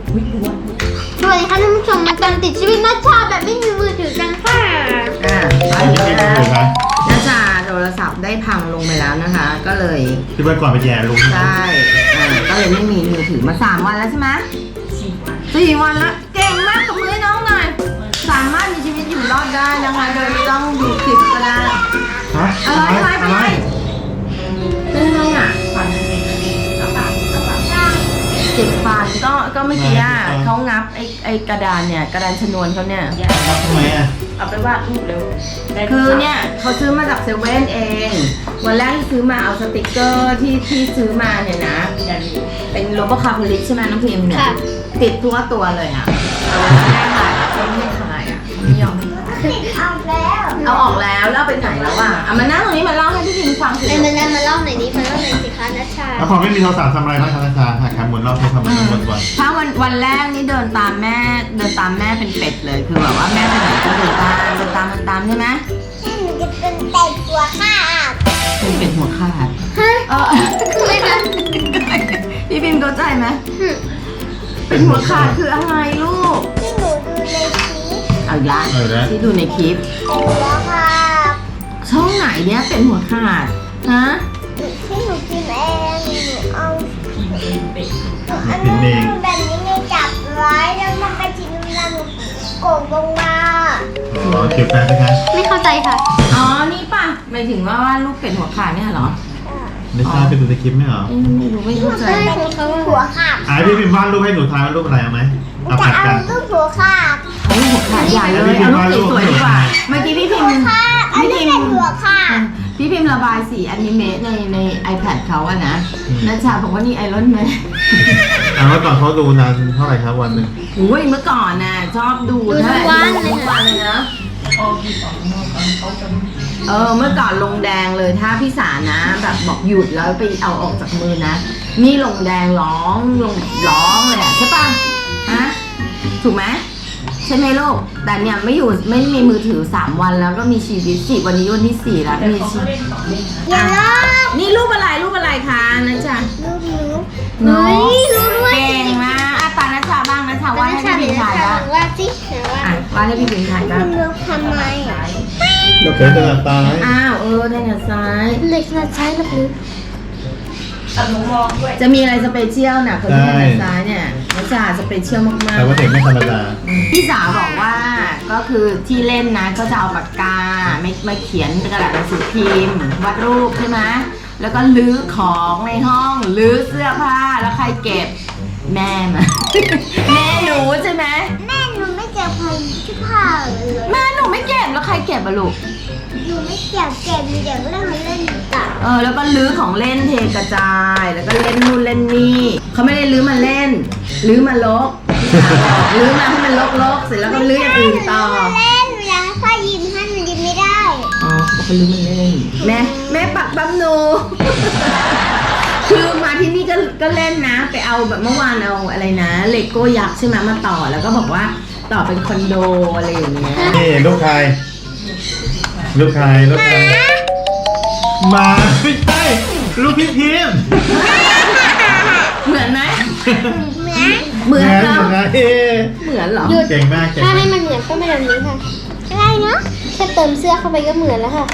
สวัสดีค่ะท่านผู้ชมมาตามติดชีวิตนัชชาแบบไม่มีมือถือกันค่ะอันนี้เป็นมือถือครับน่าจะโทรศัพท์ได้พังลงไปแล้วนะคะ ก็เลยที่เมื่อก่อนไปแย่ลุงใช่ก็เลยไม่มีมือถือมา3 วันแล้วใช่ไหม4 วันแล้วเก่งมากกับมือให้น้องหน่อยสามารถมีชีวิตอยู่รอดได้นะคะโดยไม่ต้องดูคลิปก็ได้ฮะอะไรเป็นไงอ่ะเจ็บฟันก็เมื่อกี้เขางับไอ้กระดานเนี่ยกระดานชนวนเขาเนี่ยทำไมอ่ะเอาไปวาดรูปเร็วคือเนี่ยเขาซื้อมาจากเซเว่นเองวันแรกที่ซื้อมาเอาสติกเกอร์ที่ซื้อมาเนี่ยนะเป็นโลโก้คาร์บอลิกใช่ไหมน้องพิมเนี่ยติดทั่วตัวเลยอ่ะไม่ถ่ายเขาไม่ถ่ายอ่ะไม่ยอมเอาออกแล้วแล้วไปไหนแล้วอ่ะเอามานั่งตรงนี้มาเล่าให้พี่พิมฟังสิมาเล่าหน่อยนี้มาเล่าหน่อยสิคะนัชชาแล้วพอไม่มีโทรศัพท์ทำอะไรบ้างครับอาจารย์หาแคมหมุนรอบใช้ทำอะไรวนถ้าวันแรกนี่เดินตามแม่เป็นเป็ดเลยคือแบบว่าแม่ไปไหนก็เดินตามใช่ไหมหนูจะเป็นเป็ดตัวข้าเป็นเป็ดหัวขาดฮะคือไม่นะพี่พิมเข้าใจไหมเป็นหัวขาดคืออะไรลูกที่หนูดูในคลิปเอาอีกละๆแล้วที่ดูในคลิปตัวข้าช่องไหนเนี้ยเป็นหัวขาดฮะที่หนูกินเองหนูเอาพิมพ์เองแบบนี้ไงจับไว้แล้วมันไปชิ้นแล้วหนูโกงลงมาอ๋อคลิปแป๊บนะครับไม่เข้าใจค่ะอ๋อนี่ป่ะหมายถึงว่าลูกเป็ดหัวขาดเนี่ยเหรอไม่ทราบไปดูในคลิปไหมเหรอไม่รู้ไม่เข้าใจหัวขาดพี่พิมพ์วาดรูปให้หนูทายว่ารูปอะไรเอาไหมเอาจะผัดเอากันลูกหัวขาดเอาลูกหัวขาดใหญ่เลยเอาลูกสวยๆดีกว่าเมื่อกี้พี่พิมพ์อันนี้เป็นหัวขาดพี่พิมพ์ระบายสีอนิเมะใน iPad เขาอะนะนัชชาบอกว่านี่ไอรอนแมนเมื่อก่อนเขาดูนานเท่าไหร่ครับวันหนึ่งอุ้ยเมื่อก่อนน่ะชอบดูทุกวันเลยนะเมื่อก่อนลงแดงเลยถ้าพี่สานะแบบบอกหยุดแล้วไปเอาออกจากมือนะนี่ลงแดงร้องเลยอะใช่ป่ะฮะถูกไหมใช่ไหมลูกแต่เนี่ยไม่มีมือถือ3 วันแล้วก็มีชีวิต4วันนี้วันที่4แล้วมีชีวิตอย่าลอกนี่รูปอะไรคะนัชชาลูกหนูเฮ้ยรู้ด้วยเก่งมากอ่ะตานัชชาบ้างนัชชาว่าให้พี่พิมพ์ถ่ายบ้างว่าสิว่าอ่ะว่าให้พี่พิมพ์ถ่ายบ้างคุณลูกทำไมเดี๋ยวจะหลับตาอ้าวได้ไงซ้ายเล็กนะใช้ลูกนึกตัดหนูมองด้วยจะมีอะไรสเปเชียลน่ะคนที่ด้านซ้ายเนี่ยนัชชาสเปเชียลมากแต่ว่าเด็กไม่ธรรมดาๆพี่สาวบอกว่าก็คือที่เล่นนะก็จะเอาปากกาไม่เขียนกระดาษหนังสือพิมพ์วาดรูปใช่ไหมแล้วก็ลื้อของในห้องลื้อเสื้อผ้าแล้วใครเก็บแม่มา แม่หนูใช่ไหมแม่หนูไม่เก็บของที่ผ้าเลยแม่หนูไม่เก็บแล้วใครเก็บอะลูกหนูไม่เก็บหนูเดี๋ยวเรื่องเล่นต่อแล้วก็ลื้อของเล่นเทกระจายแล้วก็เล่นนู่นเล่นนี่เขาไม่ได้ลื้อมาเล่นลื้อมาลกลื้อมาให้มันลกๆเสร็จแล้วก็ลื้ออย่างอื่นต่อเล่นเวลาพ่อยิ้มให้หนูยิ้มไม่ได้อ๋อเขาก็ลื้อมาเล่นแม่ปักปั๊มหนู คือมาที่นี่ก็เล่นนะไปเอาแบบเมื่อวานเอาอะไรนะเลโก้ยักษ์ใช่ไหมมาต่อแล้วก็บอกว่าต่อเป็นคอนโดอะไรอย่างเงี้ยนี่ลูกใครมาไม่ใช่ลูกพี่พิมพ์เหมือนไหมเหมือนเหมือนเหรอนะเหมือนเหรอเก่งมากถ้าให้มันเหมือนก็เป็นแบบนี้ค่ะอะไรเนาะแค่เติมเสื้อเข้าไปก็เหมือนแล้วค่ะ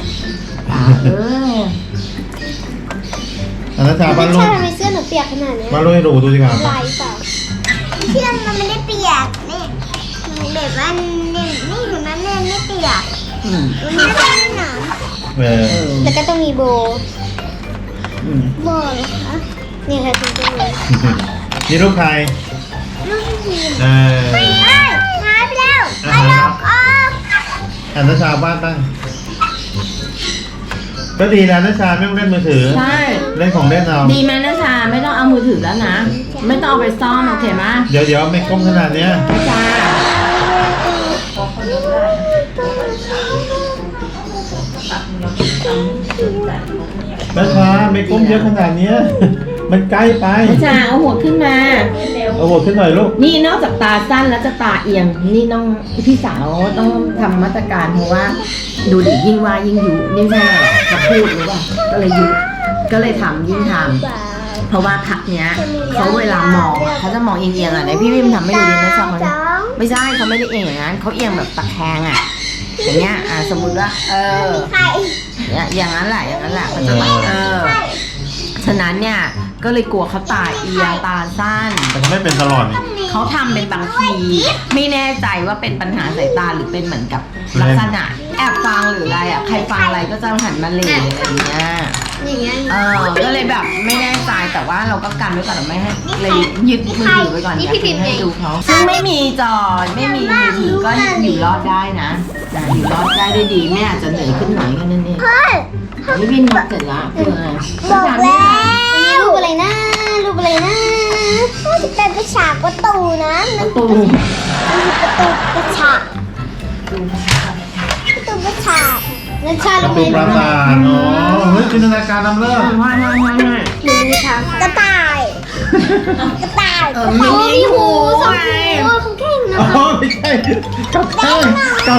อันนั้นชาบ้านลูใช่กทำไมเสื้อหนูเปียกขนาดนี้บ้านลูกให้ดูดีกว่าลายเปล่าเสื้อมันไม่ได้เปียกนี่แบบว่านี่เห็นไหมแม่ไม่เปียกอืมมันไม่ได้หนา แล้วก็ต้องมีโบว์เหรอคะนี่ค่ะคุณผู้ชมนี่ลูกใครลูกทีมเออหายไปแล้วเอาลอกออกอันนั้นชาบ้านตั้งก็ดีแล้วนะชาไม่ต้องเล่นมือถือใช่เล่นของเล่นเอาดีไหมนะชาไม่ต้องเอามือถือแล้วนะ ไม่ต้องเอาไปซ่อมโอเคไหมเดี๋ยวไม่ก้มขนาดเนี้ยนะชาพอเขาเลือกได้ตัดหนูทำแต่ของเนี่ยนะชาไม่ก้มเยอะขนาดเนี้ย มันใกล้ไปนะชาเอาหัวขึ้นมาเอาหัวขึ้นหน่อยลูกนี่นอกจากตาสั้นแล้วจะตาเอียง นี่น้องพี่สาวต้องทำมาตรการเพราะว่า ดูดิยิ่งว่ายิ่งยุนี่ใช่ไหมเขาพูดหรือเปล่าก็เลยยุก็เลยทำยิ่งทำเพราะว่าพักเนี้ยเขาเวลามองอะเขาจะมองเอียงๆอ่ะไหนพี่วิมทำให้ดูดินะจ๊ะเขาเนี่ยไม่ใช่เขาไม่ได้เอียงอย่างนั้นเขาเอียงแบบตะแคงอ่ะอย่างเงี้ยสมมุติว่าเนี่ยอย่างนั้นแหละเขาจะฉะนั้นเนี่ยก็เลยกลัวเขาตาเอียงตาสั้นแต่เขาไม่เป็นตลอดนี่เขาทำเป็นบางทีไม่แน่ใจว่าเป็นปัญหาสายตาหรือเป็นเหมือนกับลักษณะแอบฟังหรืออะไรอ่ะใครฟังอะไรก็จะหันมาเหล่อะไรอย่างเงี้ยอย่างเงี้ยก็เลยแบบไม่แน่ใจแต่ว่าเราก็กันไว้ก่อนไม่ให้เลยยึดมือถือไว้ก่อนอย่าให้ดูเขาซึ่งไม่มีจอไม่มีมือถือก็อยู่รอดได้นะอยู่รอดได้ด้วยดีแม่อาจจะเหนื่อยขึ้นหน่อยแค่นั้นเองนี่วินทำเสร็จแล้วคืออะไรบอกแล้วรูปอะไรนะรูปอะไรนะจะเป็นกระฉากประตูนะประตูมันคือประตูกระฉากประตูกระฉากนั่นใช่ประตูปราสาทอ๋อเฮ้ยจินตนาการนำเลิศไม่มีทางกระต่ายกระต่ายมีหูไงเขาเก่งนะอ๋อไม่ใช่กับข้าว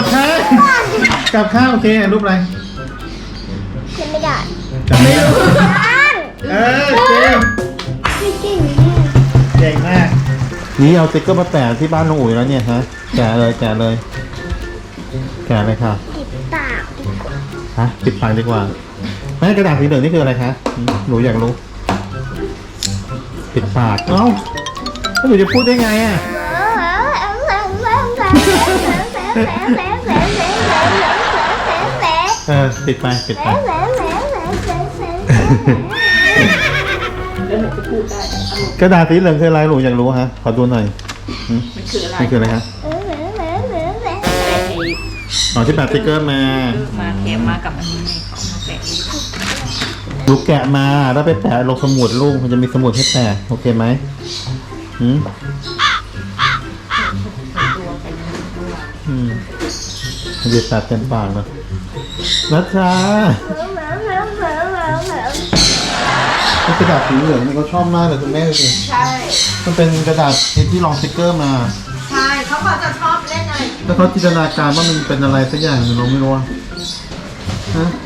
โอเครูปอะไรยังไม่ได้จำไม่ได้เก่งเก่งมาก นี่เอาสติ๊กเกอร์มาแปะที่บ้านลุงอุ๋ยแล้วเนี่ยฮะ แกะเลยค่ะติดปากฮะปิดปากดีกว่าแม่กระดาษสีเหลืองนี่คืออะไรคะหนูอยากรู้ ปิดปาก เอ้าแล้วหนูจะพูดได้ไงอ่ะปิดไปแล้วหนูจะพูดได้อารมณ์กระดาษสีเหลืองคืออะไรหนูอยากรู้ฮะ ขอดูหน่อยมันคืออะไรนี่คืออะไรฮะ อ๋อที่แปะสติ๊กเกอร์มามาแกะมากับอันนี้ไงของมาแกะลูกแกะมาแล้วไปแปะลงสมุดลูกมันจะมีสมุดให้แปะโอเคไหมมันจะตัดเต็มปากเลยนัชชากระดาษสีเหลืองนี่เขาชอบมากเลยคุณแม่ดูสิใช่มันเป็นกระดาษที่รองสติ๊กเกอร์มาใช่เขาก็จะชอบเล่นอะไรแล้วเขาจินตนาการว่ามันเป็นอะไรสักอย่างเราไม่รู้อะฮะ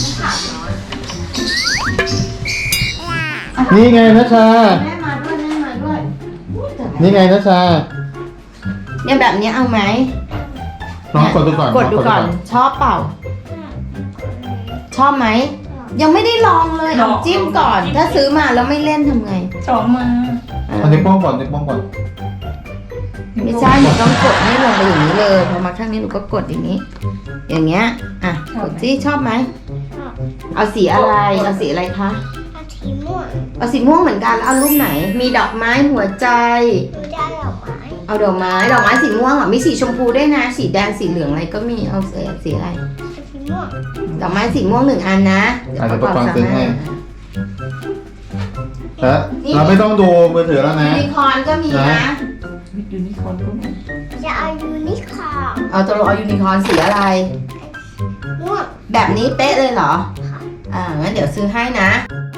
นี่ไงนัชชาแม่มาด้วยนี่ไงนัชชาเนี่ยแบบนี้เอาไหมลองกดดูก่อนกดดูก่อนชอบเปล่า ชอบไหมยังไม่ได้ลองเลยเอาจิ้มก่อน ถ้าซื้อมาแล้วไม่เล่นทำไงสองมาอันนี้ป้องก่อนนิ้วโป้งก่อนไม่ใช่หนูต้องกดให้ลงไปอย่างนี้เลยพอมาข้างนี้หนูก็กดอย่างนี้ อย่างเงี้ยกดสิชอบไหมเอาสีอะไรเอาสีอะไรคะสีม่วงเอาสีม่วงเหมือนกันแล้วเอารูปไหน มีดอกไม้หัวใจดูได้ดอกไม้เอาดอกไม้สีม่วงมีสีชมพูด้วยนะ สีแดงสีเหลืองอะไรก็มีเอาสีอะไรสีม่วงดอกไม้สีม่วง1 อันนะอาจจะประกอบซื้อให้แล้วเราไม่ต้องดูมือถือแล้วนะยูนิคอร์นก็มีนะยูนิคอร์นก็มีจะเอายูนิคอร์นเอาตัวเอายูนิคอร์นสีอะไรม่วงแบบนี้เป๊ะเลยเหรองั้นเดี๋ยวซื้อให้นะ